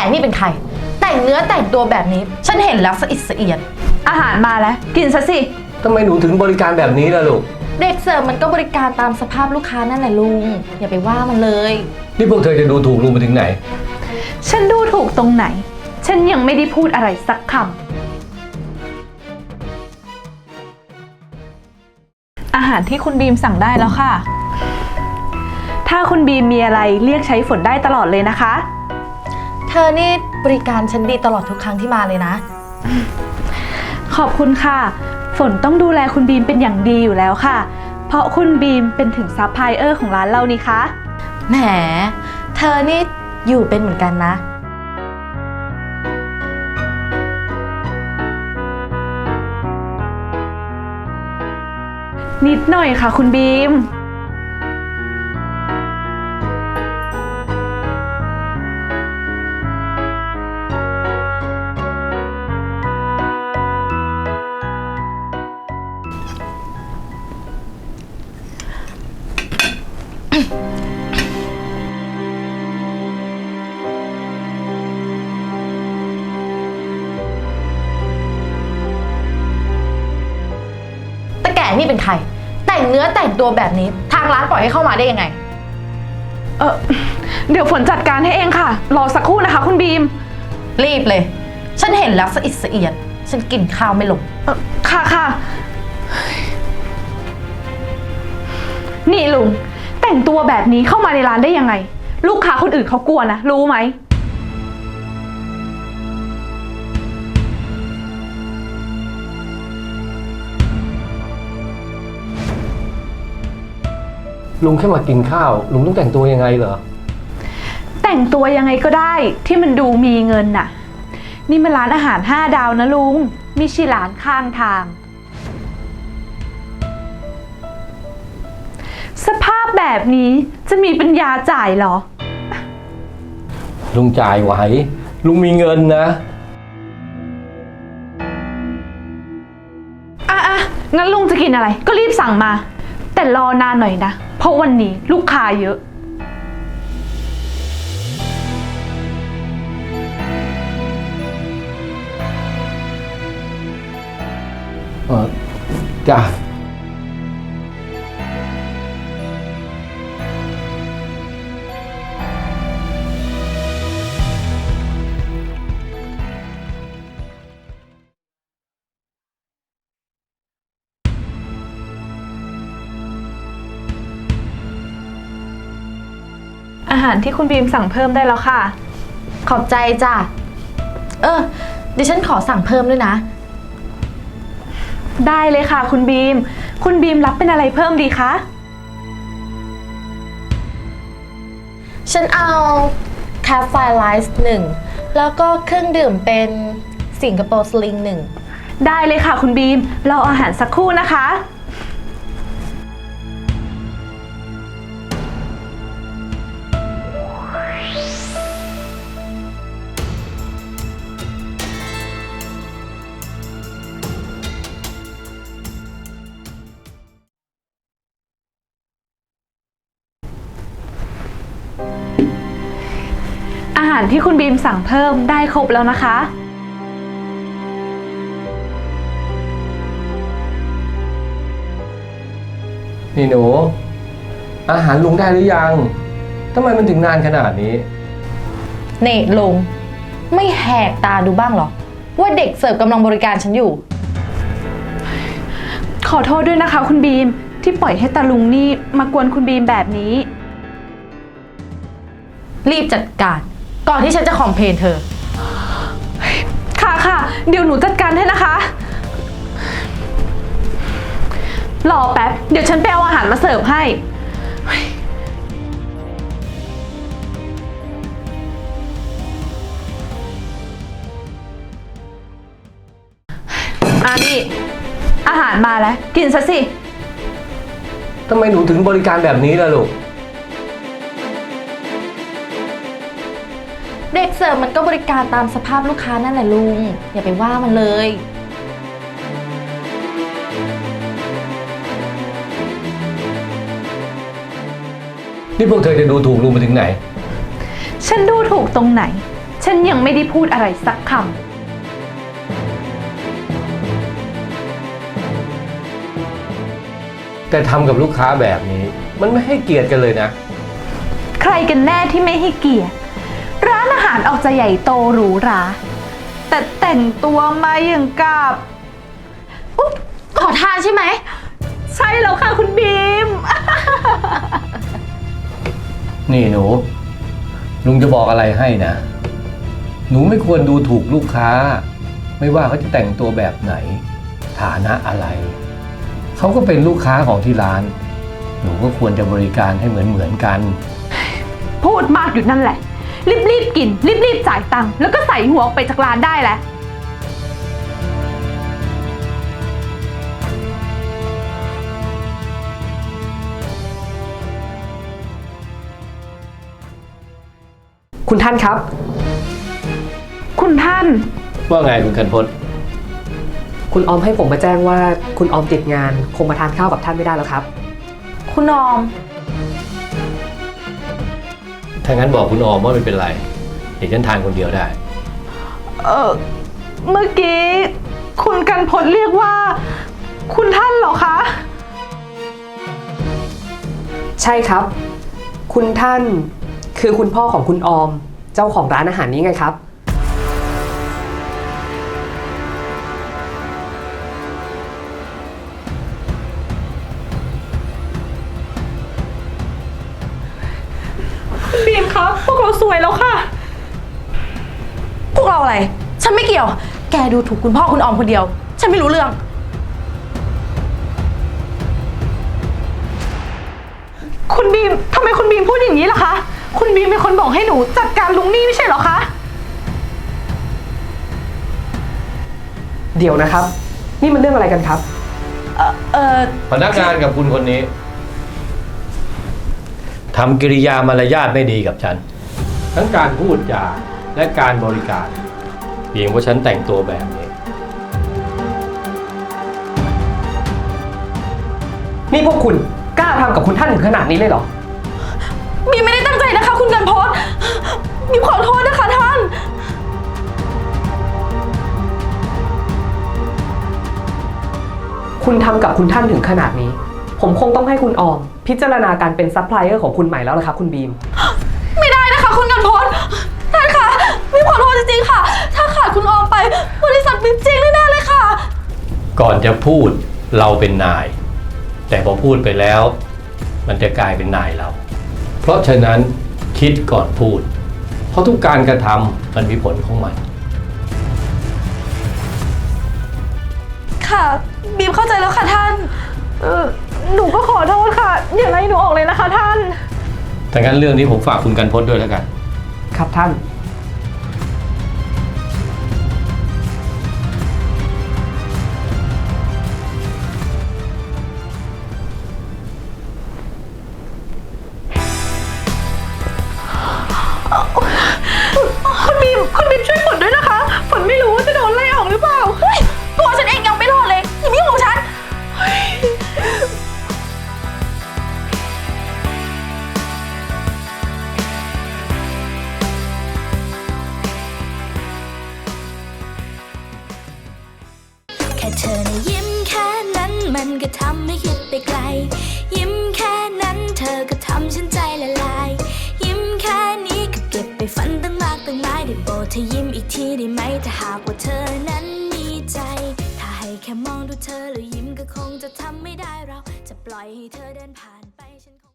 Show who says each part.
Speaker 1: นี่เป็นใครแต่งเนื้อแต่งตัวแบบนี้ฉันเห็นแล้วสะอิดสะเอียน
Speaker 2: อาหารมาแล้วกินซะสิ
Speaker 3: ทำไมหนูถึงบริการแบบนี้ล่ะลูก
Speaker 1: เด็กเสิร์ฟมันก็บริการตามสภาพลูกค้านั่นแหละลุงอย่าไปว่ามันเลย
Speaker 3: นี่พวกเธอจะดูถูกลุงไปถึงไหน
Speaker 2: ฉันดูถูกตรงไหนฉันยังไม่ได้พูดอะไรสักคำอาหารที่คุณบีมสั่งได้แล้วค่ะถ้าคุณบีมมีอะไรเรียกใช้ฝนได้ตลอดเลยนะคะ
Speaker 1: เธอนี่บริการฉันดีตลอดทุกครั้งที่มาเลยนะ
Speaker 2: ขอบคุณค่ะฝนต้องดูแลคุณบีมเป็นอย่างดีอยู่แล้วค่ะเพราะคุณบีมเป็นถึงซัพพลายเออร์ของร้านเรานี่คะ
Speaker 1: แหมเธอนี่อยู่เป็นเหมือนกันนะ
Speaker 2: นิดหน่อยค่ะคุณบีม
Speaker 1: นี่เป็นใครแต่งเนื้อแต่งตัวแบบนี้ทางร้านปล่อยให้เข้ามาได้ยังไง
Speaker 2: เดี๋ยวฝนจัดการให้เองค่ะรอสักครู่นะคะคุณบีม
Speaker 1: รีบเลยฉันเห็นแล้วสะอิดสะเอียนฉันกินข้าวไม่ลง
Speaker 2: ค่ะนี่ลุงแต่งตัวแบบนี้เข้ามาในร้านได้ยังไงลูกค้าคนอื่นเขากลัวนะรู้ไหม
Speaker 3: ลุงแค่มากินข้าวลุงต้องแต่งตัวยังไงเหรอ
Speaker 2: แต่งตัวยังไงก็ได้ที่มันดูมีเงินน่ะนี่มันร้านอาหาร5 ดาวนะลุงไม่ใช่ร้านข้างทางสภาพแบบนี้จะมีปัญญาจ่ายเหรอ
Speaker 3: ลุงจ่ายไหวลุงมีเงินนะ
Speaker 2: งั้นลุงจะกินอะไรก็รีบสั่งมาแต่รอนานหน่อยนะเพราะวันนี้ลูกค้าเยอะ
Speaker 3: จ้ะ
Speaker 2: อาหารที่คุณบีมสั่งเพิ่มได้แล้วค่ะ
Speaker 1: ขอบใจจ้ะดิฉันขอสั่งเพิ่มด้วยนะ
Speaker 2: ได้เลยค่ะคุณบีมรับเป็นอะไรเพิ่มดีคะ
Speaker 1: ฉันเอาคาเฟ่ไลซ์1แล้วก็เครื่องดื่มเป็นสิงคโปร์สลิง1
Speaker 2: ได้เลยค่ะคุณบีมรออาหารสักครู่นะคะอาหารที่คุณบีมสั่งเพิ่มได้ครบแล้วนะคะ
Speaker 3: นี่หนูอาหารลุงได้หรือยังทำไมมันถึงนานขนาดนี้
Speaker 1: นี่ลุงไม่แหกตาดูบ้างหรอว่าเด็กเสิร์ฟกำลังบริการฉันอยู่
Speaker 2: ขอโทษด้วยนะคะคุณบีมที่ปล่อยให้ตาลุงนี่มากวนคุณบีมแบบนี้
Speaker 1: รีบจัดการก่อนที่ฉันจะคอมเพลนเธอ
Speaker 2: ค่ะเดี๋ยวหนูจัดการให้นะคะรอแป๊บเดี๋ยวฉันไปเอาอาหารมาเสิร์ฟให้นี่อาหารมาแล้วกินซะสิ
Speaker 3: ทำไมหนูถึงบริการแบบนี้ล่ะลูก
Speaker 1: เด็กเสิร์ฟมันก็บริการตามสภาพลูกค้านั่นแหละลุงอย่าไปว่ามันเลย
Speaker 3: นี่พวกเธอจะดูถูกลุงไปถึงไหน
Speaker 2: ฉันดูถูกตรงไหนฉันยังไม่ได้พูดอะไรสักคำ
Speaker 3: แต่ทำกับลูกค้าแบบนี้ มันไม่ให้เกียรติกันเลยนะ
Speaker 2: ใครกันแน่ที่ไม่ให้เกียรติ ร้านอาหารออกจะใหญ่โตหรูหรา แต่แต่งตัวมาอย่างกับ
Speaker 1: ขอทานใช่ไหม
Speaker 2: ใช่แล้วค่ะคุณบีม
Speaker 3: นี่หนู ลุงจะบอกอะไรให้นะ หนูไม่ควรดูถูกลูกค้า ไม่ว่าเขาจะแต่งตัวแบบไหน ฐานะอะไร เขาก็เป็นลูกค้าของที่ร้าน หนูก็ควรจะบริการให้เหมือนกัน
Speaker 2: พูดมากอยู่นั่นแหละ รีบกิน รีบจ่ายตังค์แล้วก็ใส่หัวออกไปจากร้านได้แล้ว
Speaker 4: คุณท่านครับ
Speaker 2: คุณท่าน
Speaker 3: ว่าไงคุณกันพจน์
Speaker 4: คุณออมให้ผมมาแจ้งว่าคุณออมติดงานคงมาทานข้าวกับท่านไม่ได้แล้วครับ
Speaker 1: คุณออม
Speaker 3: ถ้างั้นบอกคุณออมว่าไม่เป็นไร เดี๋ยวฉันทานคนเดียวได้
Speaker 2: เมื่อกี้คุณกันพจน์เรียกว่า คุณท่านเหรอคะ
Speaker 4: ใช่ครับ คุณท่านคือคุณพ่อของคุณออม เจ้าของร้านอาหารนี้ไงครับ
Speaker 2: บีมครับ พวกเราสวยแล้วค่ะ
Speaker 1: พวกเราอะไร ฉันไม่เกี่ยว แกดูถูกคุณพ่อคุณออมคนเดียว ฉันไม่รู้เรื่อง
Speaker 2: คุณบีมทำไมคุณบีมพูดอย่างนี้ล่ะคะ คุณบีมเป็นคนบอกให้หนูจัดการลุงนี่ไม่ใช่เหรอคะ
Speaker 4: เดี๋ยวนะครับ นี่มันเรื่องอะไรกันครับ
Speaker 3: พนักงานกับคุณคนนี้ทำกิริยามารยาทไม่ดีกับฉัน ทั้งการพูดจาและการบริการเพียงเพราะฉันแต่งตัวแบบนี้
Speaker 4: นี่พวกคุณกล้าทำกับคุณท่านถึงขนาดนี้เลยเหรอ
Speaker 1: บีมไม่ได้ตั้งใจนะคะ คุณกันพจน์บีมขอโทษนะคะท่าน
Speaker 4: คุณทำกับคุณท่านถึงขนาดนี้ ผมคงต้องให้คุณออม พิจารณาการเป็นซัพพลายเออร์ของคุณใหม่แล้วละครับคุณบีม
Speaker 1: ไม่ได้นะคะ คุณกันพจน์ท่านคะบีมขอโทษจริงๆค่ะ ถ้าขาดคุณออมไป บริษัทบีมจริงแน่ๆเลยค่ะ
Speaker 3: ก่อนจะพูดเราเป็นนาย แต่พอพูดไปแล้ว มันจะกลายเป็นนายเรา เพราะฉะนั้นคิดก่อนพูด เพราะทุกการกระทำมันมีผลของมัน
Speaker 1: ค่ะบีมเข้าใจแล้วค่ะท่าน
Speaker 2: หนูก็ขอโทษค่ะ อย่าไล่หนูออกเลยนะคะท่าน
Speaker 3: แต่งั้นเรื่องนี้ผมฝากคุณกันพจน์ด้วยแล้วกัน
Speaker 4: ครับท่าน
Speaker 2: คุณบีมช่วยฝนด้วยนะคะ ฝนไม่รู้ว่าจะโดนไล่ออกหรือเปล่า
Speaker 1: เฮ้ยตัวฉันเองยังไม่รอดเลยอย่ามายุ่งของฉัน
Speaker 5: แค่เธอนะยิ้มแค่นั้นมันก็ทำให้คิดไปไกล ยิ้มแค่นั้นเธอก็ทำฉันใจละลาย ยิ้มแค่นี้ก็เก็บไปฝันตั้งมากตั้งหลายได้โปรดเธอยิ้มอีกทีได้ไหมถ้าหากว่าเธอนั้นมีใจ ถ้าให้แค่มองดูเธอแล้วยิ้มก็คงจะทำไม่ได้เราจะปล่อยให้เธอเดินผ่านไปฉันคง